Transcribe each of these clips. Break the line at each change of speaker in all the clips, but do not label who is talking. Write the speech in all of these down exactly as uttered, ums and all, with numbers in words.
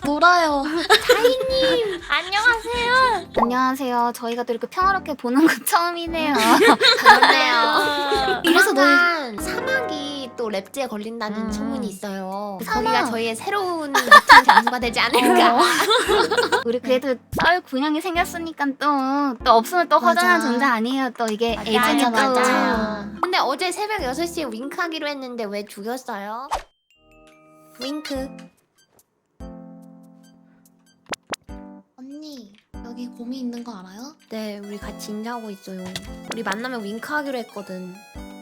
놀아요.
다희님 안녕하세요.
안녕하세요. 저희가 또 이렇게 평화롭게 보는 거 처음이네요.
그렇네요.
그래서
조만간 사막이 또 랩제에 걸린다는
음.
소문이 있어요.
사막.
거기가 저희의 새로운 미팅 장소가 되지 않을까.
어. 우리 그래도 썰 군형이 생겼으니까 또, 또 없으면 또
맞아.
허전한 존재 아니에요. 또 이게
맞아,
애증이 또.
맞아. 근데 어제 새벽 여섯 시에 윙크하기로 했는데 왜 죽였어요? 윙크.
언니 여기 곰이 있는 거 알아요?
네, 우리 같이 인사하고 있어요. 우리 만나면 윙크하기로 했거든.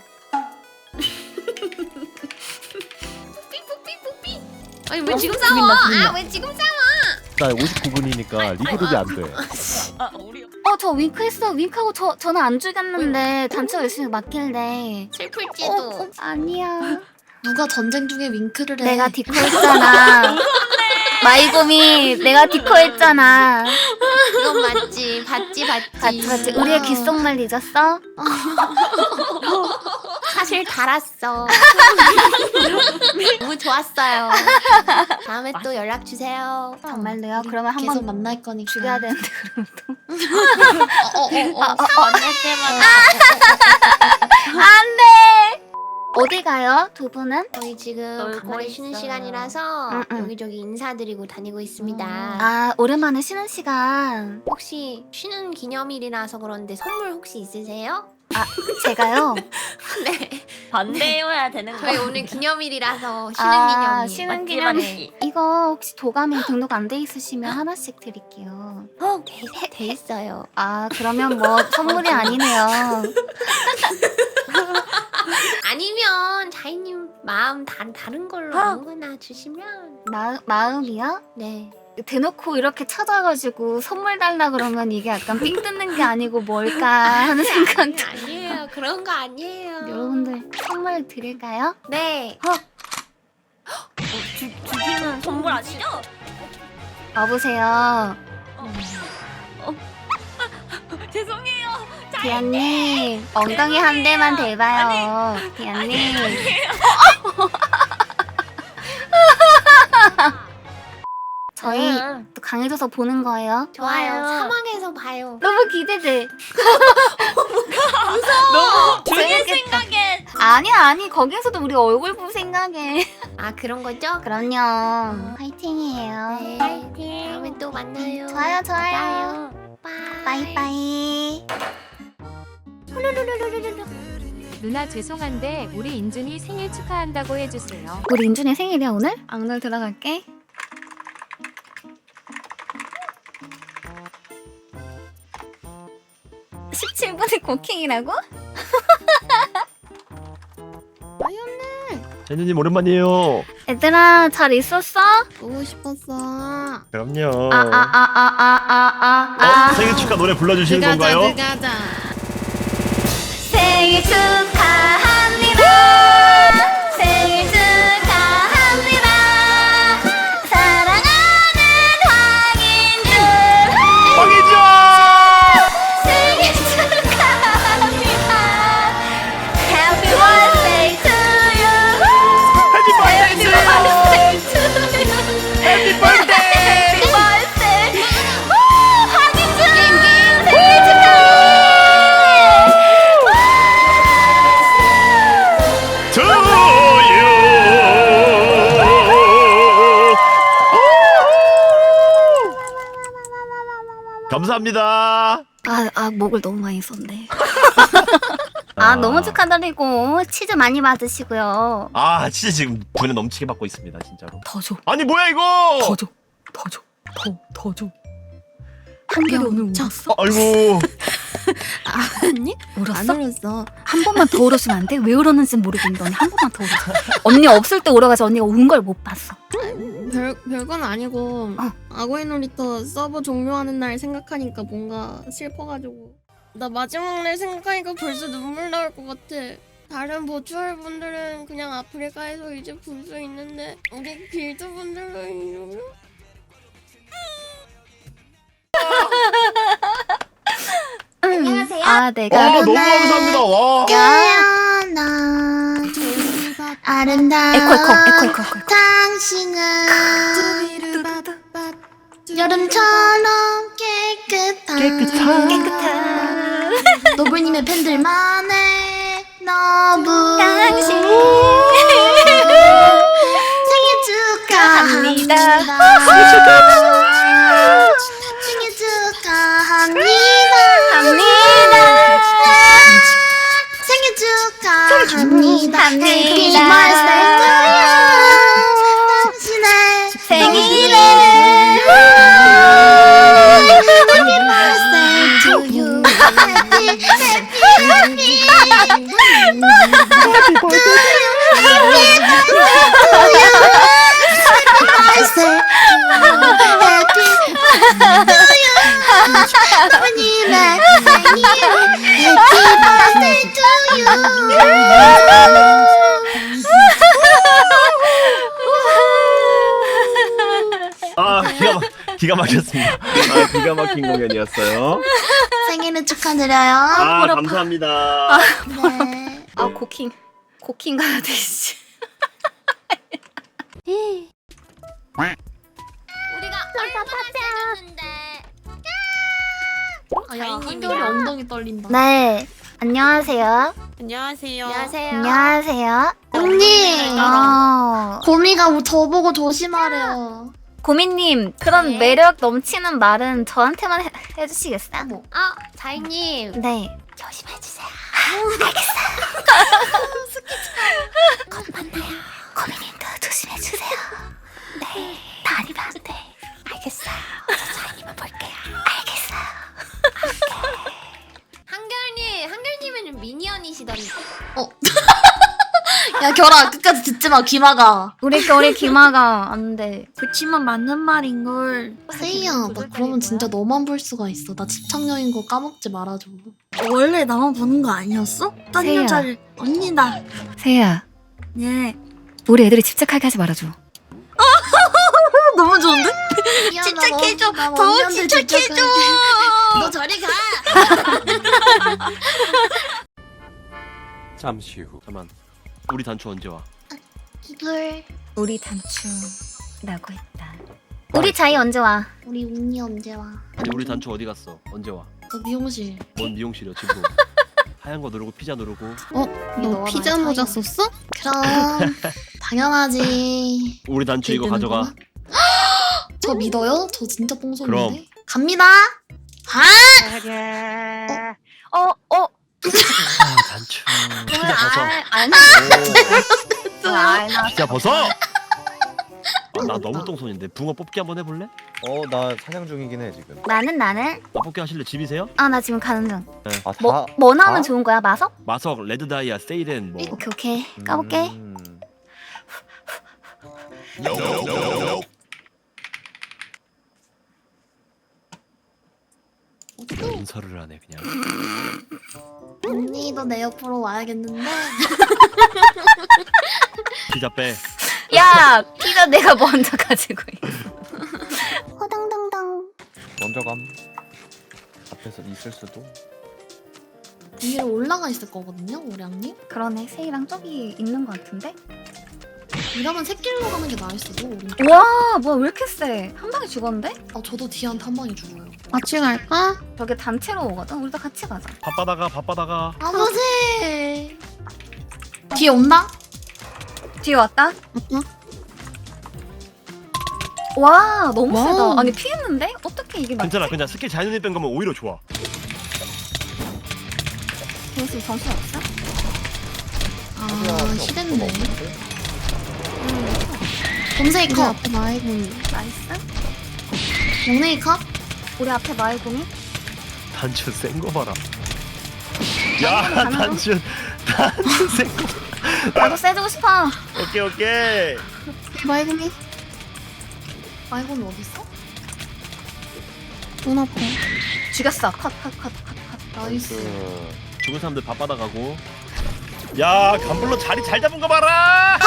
삐삐삐삐삐. 아니 왜 지금 싸워? 아 왜 지금 싸워?
나 오십구 분이니까 리그룹이 안 돼.
아 우리
어, 저 윙크했어. 윙크하고 저, 저는 안 죽였는데 단체가 열심히 맞길래.
슬플지도.
어, 어, 아니야.
누가 전쟁 중에 윙크를 해?
내가 디코했잖아. 마이곰이 내가 디코했잖아.
그건 맞지. 봤지 봤지.
같이 같이 우리의 귓속말 잊었어?
사실 달았어. 너무 좋았어요. 다음에 또 연락 주세요.
정말로요? 그러면
계속
한번
만날 거니까.
죽여야 되는데 그럼 또.
어어어. 만날 때마다.
안돼. 어디 가요? 두 분은?
저희 지금
놀고
간만에 쉬는
있어요.
시간이라서
응, 응.
여기저기 인사드리고 다니고 있습니다.
아, 오랜만에 쉬는 시간.
혹시 쉬는 기념일이라서 그런데 선물 혹시 있으세요?
제가요.
네.
반대여야 되는 거.
저희 오늘 기념일이라서 쉬는
아,
기념일.
쉬는
맞지,
기념일.
맞지.
이거 혹시 도가미 등록 안 돼 있으시면 하나씩 드릴게요.
어, 돼, 돼 있어요.
아, 그러면 뭐 선물이 아니네요.
아니면 자이님 마음 다, 다른 걸로
어.
아무거나 주시면
마, 마음이요?
네.
대놓고 이렇게 찾아가지고 선물 달라 그러면 이게 약간 삥 뜯는 게 아니고 뭘까 하는 생각이.
아니에요. 그런 거 아니에요.
여러분들 선물 드릴까요?
네.
주, 주기는 선물 아시죠?
여보세요.
죄송해요.
디안님 엉덩이 한 대만 대봐요. 디안님. 저희
응.
또 강해져서 보는 거예요.
좋아요.
좋아요.
사막에서 봐요.
너무 기대돼.
너무 주기
재밌겠다.
생각에
아니야 아니 거기에서도 우리 얼굴 볼 생각에.
아 그런 거죠?
그럼요. 화이팅이에요.
네.
파이팅.
다음에 또 만나요.
좋아요 좋아요.
바이.
빠이빠이.
누나 죄송한데 우리 인준이 생일 축하한다고 해주세요.
우리 인준이 생일이야 오늘? 악놀 들어갈게. 십칠 분이 고킹이라고?
제니님 오랜만이에요.
얘들아 잘 있었어?
보고 싶었어.
그럼요.
아 아 아 아 아 아 아
어, 생일 축하 노래 불러주시는 건가요?
가자.
생일 축하합니다. 생일 축하합니다. 사랑하는 황인준.
황희준!
생일 축하합니다. Happy birthday to you.
해피 버스데이
Happy birthday to you.
해피 버스데이!
Happy birthday. 오, 황인준 생일 축하해.
To you! 감사합니다.
아, 아 목을 너무 많이 썼네. 아 너무 축하드리고 치즈 많이 받으시고요.
아 진짜 지금 돈을 넘치게 받고 있습니다 진짜로.
더 줘,
아니 뭐야 이거?
더 줘, 더 줘, 더, 더 줘. 한결이 오늘 울었어?
어, 아이고.
아니?
울었어?
안 울었어.
한 번만 더 울었으면 안 돼? 왜 울었는지 모르겠는데 언니 한 번만 더 울었어. 언니 없을 때 울어가지고 언니가 운 걸 못 봤어.
별 별건 아니고
어.
악어의 놀이터 서버 종료하는 날 생각하니까 뭔가 슬퍼가지고 나 마지막 날 생각하니까 벌써 눈물 나올 것 같아. 다른 버추얼 분들은 그냥 아프리카에서 이제 볼 수 있는데 우리 길드 분들은 이러면
안녕하세요. 아 내가
와 너무 감사합니다. 와.
태어나 아름다워
아름다워
에코 에코 에코 에코 에코
당신은
여름처럼 깨끗한
깨끗한 깨끗한
노블님의 팬들만의 너브
당신
생일 축하합니다. 생일 축하합니다.
합니다.
생일 축하합니다. Happy
합니다.
birthday to you. 당신의
생일에
Happy birthday to you. Happy happy happy to you. Happy birthday to you. 부모님의 생일 Happy birthday to you.
아 기가 막 기가 막혔습니다. 아 기가 막힌 공연이었어요.
생일을 축하드려요.
아 감사합니다.
네.
아 고킹 고킹 가야 돼 씨.
우리가 얼마나 세줬는데.
아야 한결이 엉덩이 떨린다.
네 안녕하세요.
안녕하세요.
안녕하세요.
안녕하세요.
언니.
어
고미가 저보고 조심하래요.
고민님 그런
네.
매력 넘치는 말은 저한테만 해, 해주시겠어요?
아, 자이님.
네 조심해주세요. 알겠어요. 곧 만나요. 고민님도 조심해주세요. 네 다니면 안 돼. 알겠어요. 저 자이님만 볼게요. 알겠어요.
한결님, 한결님은 미니언이시던데.
어. 야 결아 끝까지 듣지 마 귀마가.
우리 겨울에 기마가 안 돼.
그치만 맞는 말인 걸. 세이야 나 그러면 진짜 너만 볼 수가 있어. 나 집착녀인 거 까먹지 말아줘. 원래 나만 보는 거 아니었어? 딴
세이야.
여자를 언니다.
세야
예.
우리 애들이 집착하게 하지 말아줘.
너무 좋은데?
집착해줘.
더 집착해줘.
너 저리 가.
잠시 후. 잠만. 우리 단추 언제 와?
이글.
우리 단추 라고 했다. 우리 자이 언제 와?
우리 운이 언제 와?
아니 우리 단추 어디 갔어? 언제 와?
너 미용실.
뭔 미용실이야 지금? 하얀 거 누르고 피자 누르고.
너 피자 모자 썼어?
그럼 당연하지.
우리 단추 이거 가져가.
저 믿어요? 저 진짜 뽕손인데?
그럼.
갑니다.
어 어.
아 단추. 피자 벗어.
아니.
오,
알나.
피자 벗어. 아, 나 너무 똥손인데 붕어 뽑기 한번 해볼래?
어, 나 사냥 중이긴 해 지금.
나는 나는
아, 뽑기 하실래? 집이세요?
아 나 지금 가는 중.
아, 다.
뭐 뭐 나오면
다?
좋은 거야? 마석?
마석, 레드 다이아, 세이렌 뭐.
오케이 오케이 까볼게.
음.
인설을 하네 그냥.
언니도 내 옆으로 와야겠는데.
피자 빼.
야 피자 내가 먼저 가지고 있어.
허당당당.
먼저 감. 앞에서 있을 수도.
위로 올라가 있을 거거든요, 오량님.
그러네 세이랑 저기 있는 거 같은데?
이러면 새길로 가는 게 나을 수도. 우리.
와 뭐야 왜 이렇게 세? 한 방에 죽었는데?
아 저도 디한테 한 방에 죽어요. 같이 갈까?
저게 단체로 오거든? 우리도 같이 가자.
바빠다가 바빠다가.
아버지. 뒤에 온다?
뒤에 왔다?
응.
와 너무
와우.
세다. 아니 피했는데? 어떻게 이게 맞지?
괜찮아 그냥 스킬 자연히 뺀 거면 오히려 좋아.
걔네 정신 없어?
아 시됐네. 검색이 컷. 앞에 마이군.
나이스.
영내이 컷.
우리 앞에 마이공이?
단추 센 거 봐라. 야
가는 중.
단추 단추 센 거.
나도 세주고 싶어.
오케이 오케이.
마이군이. 마이군 어디 있어? 눈 아파.
죽였어. 컷 컷 컷 컷 컷.
나이스.
그...
죽은 사람들 바빠다 가고. 야 간불로 자리 잘 잡은 거 봐라.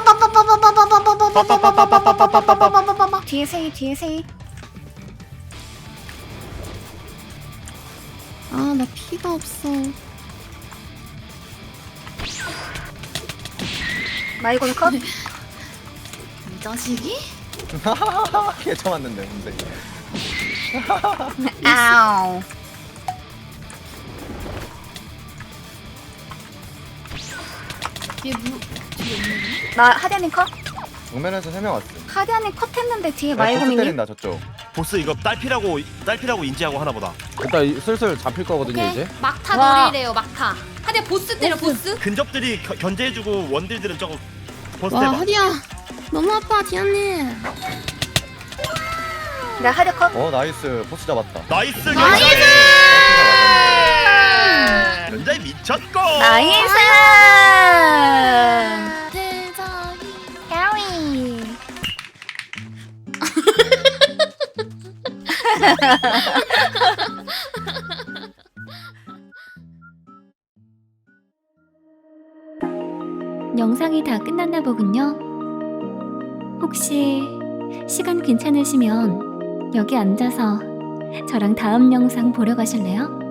뒤에 세이 뒤에 세이.
아 나 피가 없어.
마이공 컷.
이 자식이?
걔 쳐맞는데 근데.
아우.
뒤에 무 뒤에 없네.
나 하디아님 컷?
정면에서 세 명 왔어.
하디아님 컷 했는데 뒤에
야, 보스
말고민님.
때린다 저쪽.
보스 이거 딸피라고 딸피라고 인지하고 하나 보다.
일단 이- 슬슬 잡힐 거거든요
오케이.
이제.
막타
와.
노리래요 막타. 하디야 보스 때려 보스.
근접들이 겨, 견제해주고 원딜들은 저거 보스
와
해봐.
하디야 너무 아파 디아님.
나 하디아 컷?
어 나이스. 보스 잡았다.
나이스
나이스!
견제. 견제 미쳤고.
나이스!
대장이.
캐리.
영상이 다 끝났나 보군요. 혹시 시간 괜찮으시면 여기 앉아서 저랑 다음 영상 보러 가실래요?